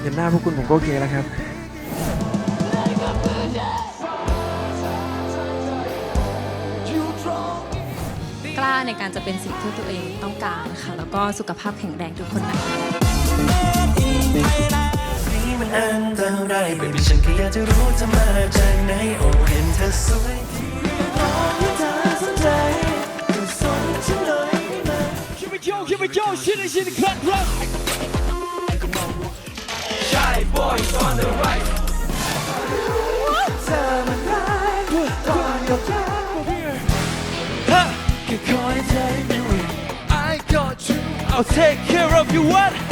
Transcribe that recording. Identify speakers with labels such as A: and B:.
A: เห็นหน้าพวกคุณผมก็โอเคแล้วครับ
B: กล้าในการจะเป็นสิ่งที่ตัวเองต้องการนะคะแล้วก็สุขภาพแข็งแรงทุกคนนะ
C: มันอันตรายไม่เป็นฉันแค่อยากจะรู้เธอมาจากไหนโอ้เห็นเธอสวยร้องให้เธอสนใจก็สนฉันหน่อยได้ไหม
D: Here we go, shit is in the cut, rock.
C: Shy boys on the right เธอมันร้ายก่อนกับเธอแค่คอยใจอยู่
D: I got you. I'll take care of you. What?